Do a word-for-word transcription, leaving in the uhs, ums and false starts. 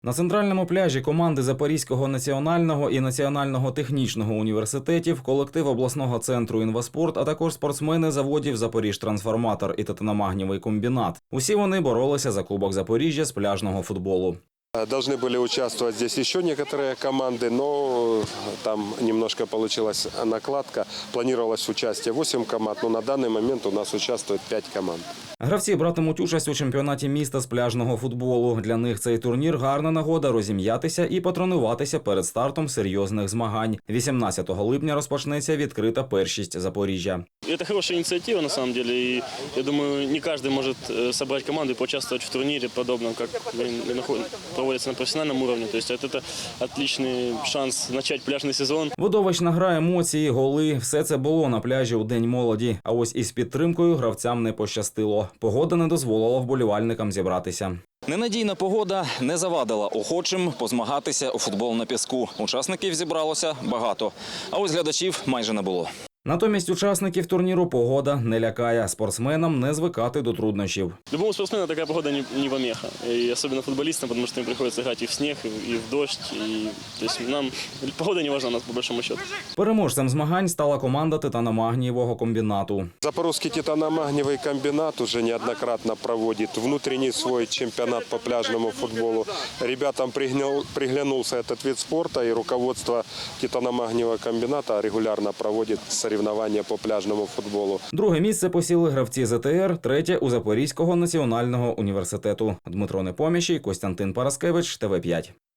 На центральному пляжі команди Запорізького національного і Національного технічного університетів, колектив обласного центру «Інваспорт», а також спортсмени заводів «Запоріжтрансформатор» і «Титаномагнієвий комбінат». Усі вони боролися за Кубок Запоріжжя з пляжного футболу. Должны были участвовать здесь еще некоторые команды, но там немножко получилась накладка. Планировалось участие восемь команд, но на данный момент у нас участвует пять команд. Гравці братимуть участь у чемпіонаті міста з пляжного футболу. Для них цей турнір – гарна нагода розім'ятися і потренуватися перед стартом серйозних змагань. вісімнадцятого липня розпочнеться відкрита першість Запоріжжя. Это хорошая инициатива, на самом деле, и я думаю, не каждый может собрать команду и поучаствовать в турнире подобном, как проводится на профессиональном уровне. То есть это отличный шанс начать пляжный сезон. Видовищна гра, емоції, голи – все це було на пляжі у День молоді. А ось із підтримкою гравцям не пощастило. Погода не дозволила вболівальникам зібратися. Ненадійна погода не завадила охочим позмагатися у футбол на піску. Учасників зібралося багато, а ось глядачів майже не було. Натомість учасників турніру погода не лякає. Спортсменам не звикати до труднощів. Любому спортсмену такая погода не, не помеха. И особенно футболистам, потому что им приходится играть и в снег, и в дождь. И, то есть нам погода не важна у нас по большому счету. Переможцем змагань стала команда Титаномагнієвого комбінату. Запорожский титаномагниевый комбинат уже неоднократно проводит внутренний свой чемпионат по пляжному футболу. Ребятам пригнул, приглянулся этот вид спорта, и руководство титаномагниевого комбината регулярно проводит соревнования по пляжному футболу. Друге місце посіли гравці ЗТР, третє – у Запорізького національного університету. Дмитро Непоміщий, Костянтин Параскевич, Т В п'ять.